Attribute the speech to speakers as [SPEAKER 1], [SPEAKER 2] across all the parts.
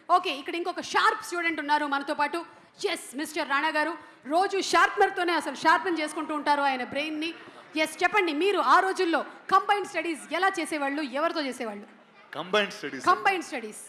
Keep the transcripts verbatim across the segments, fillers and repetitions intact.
[SPEAKER 1] Okay, ఇక్కడ ఇంకొక sharp student ఉన్నారు మనతో పాటు. ఎస్, మిస్టర్ రాణా గారు రోజు షార్ప్నర్తోనే అసలు షార్పెన్ చేసుకుంటూ ఉంటారు ఆయన బ్రెయిన్ని. ఎస్, చెప్పండి, మీరు ఆ రోజుల్లో కంబైన్డ్ స్టడీస్ ఎలా చేసేవాళ్ళు, ఎవరితో చేసేవాళ్ళు?
[SPEAKER 2] కంబైన్డ్ స్టడీస్
[SPEAKER 1] కంబైన్డ్ స్టడీస్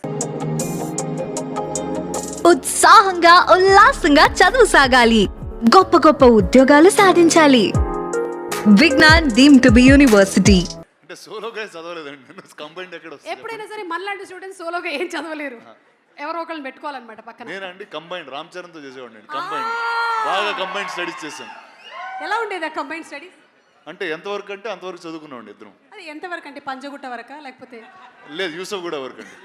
[SPEAKER 3] ఉత్సాహంగా ఉల్లాసంగా చదువు సాగాలి, గొప్ప గొప్ప ఉద్యోగాలు సాధించాలి. Vignan deemed to be university.
[SPEAKER 2] అంటే సోలోగా చదవలేదండి, కంబైన్డ్ ఎక్కడ వస్తుంది?
[SPEAKER 1] ఎప్పుడైనా సరే మనలాంటి స్టూడెంట్స్ సోలోగా ఏం చదవలేరు, ఎవరో ఒకళ్ళని పెట్టుకోవాలన్నమాట పక్కన.
[SPEAKER 2] నేనండి కంబైన్డ్ రామ్ చరణ్ తో చేసేవాడిని. కంబైన్డ్ బాగా కంబైన్డ్ స్టడీస్ చేశాను.
[SPEAKER 1] ఎలా ఉండేది ఆ కంబైన్డ్ స్టడీస్?
[SPEAKER 2] అంటే ఎంతవరకు అంటే అంతవరకు చదువుకున్నామండి ఇద్దరం.
[SPEAKER 1] అది ఎంతవరకు అంటే పంజగుట్ట వరకా లేకపోతే?
[SPEAKER 2] లేదు, యూసఫ్ కూడా వరకు అండి.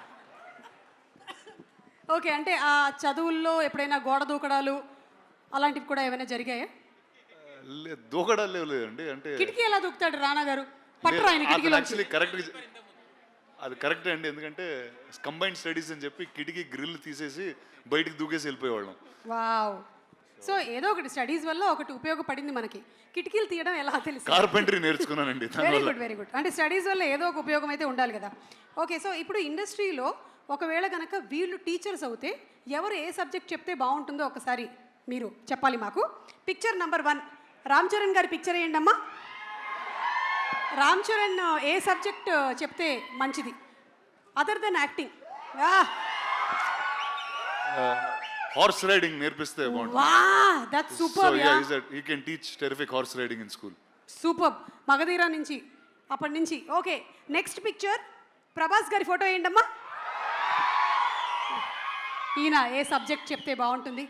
[SPEAKER 1] ఓకే, అంటే ఆ చదువుల్లో ఎప్పుడైనా గోడ దూకడాలు అలాంటివి కూడా ఏమైనా జరిగాయా?
[SPEAKER 2] లేదు, దూకడాలు లేవు లేదండి. అంటే
[SPEAKER 1] కిటికీ ఎలా దూకుతాడు రాణా గారు? పట్టరు ఆయన కిటికీలో.
[SPEAKER 2] యాక్చువల్లీ కరెక్ట్, అది కరెక్టే అండి. ఎందుకంటే కంబైన్డ్ స్టడీస్ అని చెప్పి కిటికీ గ్రిల్ తీసేసి బయటికి దూకేసి వెళ్ళిపోయేవాళ్ళం.
[SPEAKER 1] వావ్. సో ఏదో ఒకటి స్టడీస్ వల్ల ఒకటి ఉపయోగపడింది మనకి. కిటికీలు తీయడం ఎలా తెలుసు?
[SPEAKER 2] కార్పెంటరీ నేర్చుకున్నానండి.
[SPEAKER 1] Very good, very good. అంటే స్టడీస్ వల్ల ఏదో ఒక ఉపయోగం అయితే ఉండాలి కదా. ఓకే, సో ఇప్పుడు ఇండస్ట్రీలో ఒకవేళ కనుక వీళ్ళు టీచర్స్ అవుతే ఎవరు ఏ సబ్జెక్ట్ చెప్తే బాగుంటుందో ఒకసారి మీరు చెప్పాలి మాకు. Picture number one, Ram Charan గారి పిక్చర్ వేయండి అమ్మా. రామ్ చరణ్ ఏ సబ్జెక్ట్ చెప్తే మంచిది other than acting?
[SPEAKER 2] Horse riding నేర్పిస్తే బాగుంటుంది.
[SPEAKER 1] వాహ్, that's super.
[SPEAKER 2] So ya, is that he can teach terrific horse riding in school.
[SPEAKER 1] Super. Magadheera నుంచి అప్పటి నుంచి. ఓకే, నెక్స్ట్ పిక్చర్ ప్రభాస్ గారి ఫోటో వేయండి అమ్మా. ఈయన ఏ సబ్జెక్ట్ చెప్తే బాగుంటుంది?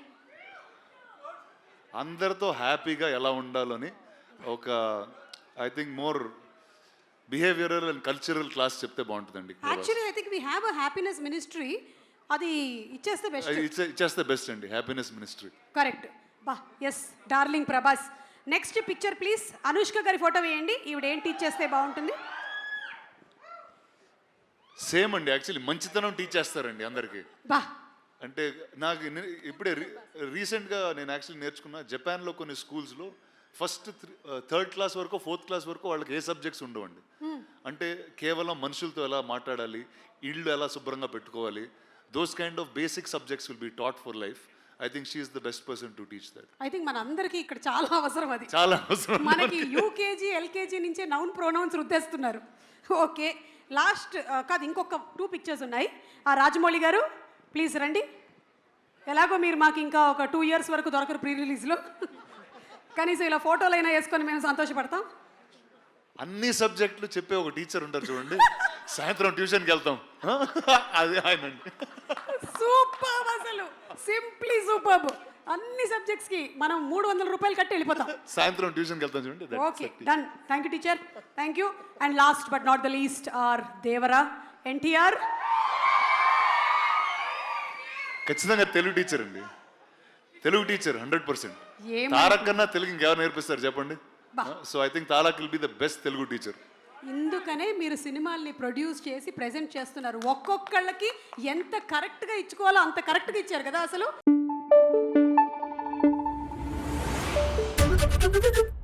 [SPEAKER 2] అందరితో హ్యాపీగా ఎలా ఉండాలని ఒక I think more behavioural and cultural class చెప్తే బాగుంటుందండి.
[SPEAKER 1] Actually I think we have a happiness ministry, అది ఇచ్చేస్తే బెస్ట్.
[SPEAKER 2] ఇచ్చేస్తే బెస్ట్ అండి, హ్యాపీనెస్ మినిస్ట్రీ.
[SPEAKER 1] కరెక్ట్. బా, yes, darling Prabhas. Next picture please, Anushka గారి ఫోటో వేయండి. ఈవిడ ఏం టీచ్ చేస్తే బాగుంటుంది?
[SPEAKER 2] సేమ్ అండి, యాక్చువల్లీ మంచితనం టీచ్ చేస్తారండి అందరికీ.
[SPEAKER 1] బా,
[SPEAKER 2] అంటే నాకు నే- ఇప్పుడే రీసెంట్గా నేను యాక్చువల్లీ నేర్చుకున్న జపాన్లో కొన్ని స్కూల్స్లో ఫస్ట్ థర్డ్ క్లాస్ వరకు ఫోర్త్ క్లాస్ వరకు వాళ్ళకి ఏ సబ్జెక్ట్స్ ఉండవండి. అంటే కేవలం మనుషులతో ఎలా మాట్లాడాలి, ఇళ్ళు ఎలా శుభ్రంగా పెట్టుకోవాలి, those kind of basic subjects will be taught for life. I think she is the best person to teach that.
[SPEAKER 1] I think మన అందరికీ ఇక్కడ చాలా అవసరం అది.
[SPEAKER 2] చాలా అవసరం.
[SPEAKER 1] మనకి యూకేజీ ఎల్కేజీ నుంచే నౌన్ ప్రొనౌన్స్ రుద్దేస్తున్నారు. ఓకే, లాస్ట్ కాదు, ఇంకొక టూ పిక్చర్స్ ఉన్నాయి. ఆ రాజమౌళి గారు ప్లీజ్ రండి. ఎలాగో మీరు మాకు ఇంకా ఒక టూ ఇయర్స్ వరకు దొరకరు ప్రీ రిలీజ్లో, కనీసం ఇలా ఫోటోలు అయినా వేసుకొని మేము సంతోషపడతాం.
[SPEAKER 2] అన్ని సబ్జెక్టులు చెప్పే ఒక టీచర్ ఉంటారు చూడండి, సాయంత్రం ట్యూషన్కి వెళ్తాం, అది ఆయన.
[SPEAKER 1] సూపర్, అసలు సింప్లీ సూపర్. అన్ని సబ్జెక్ట్స్ కి మనం మూడు వందల రూపాయలు కట్టి వెళ్ళిపోతాం.
[SPEAKER 2] సాయంత్రం ట్యూషన్కి వెళ్తాం చూడండి.
[SPEAKER 1] Okay, done. Thank you teacher, thank you. And last but not the least our Devara NTR.
[SPEAKER 2] ఖచ్చితంగా తెలుగు టీచర్ అండి, తెలుగు టీచర్ హండ్రెడ్ పర్సెంట్.
[SPEAKER 1] ఏం
[SPEAKER 2] తారక్ కన్నా తెలుగు ఇంకెవరు నేర్పిస్తారు చెప్పండి?
[SPEAKER 1] బా.
[SPEAKER 2] So I think Tarak will be the best Telugu teacher.
[SPEAKER 1] ఇందుకనే మీరు సినిమాల్ని ప్రొడ్యూస్ చేసి ప్రెజెంట్ చేస్తున్నారు. ఒక్కొక్కళ్ళకి ఎంత కరెక్ట్గా ఇచ్చుకోవాలో అంత కరెక్ట్గా ఇచ్చారు కదా అసలు.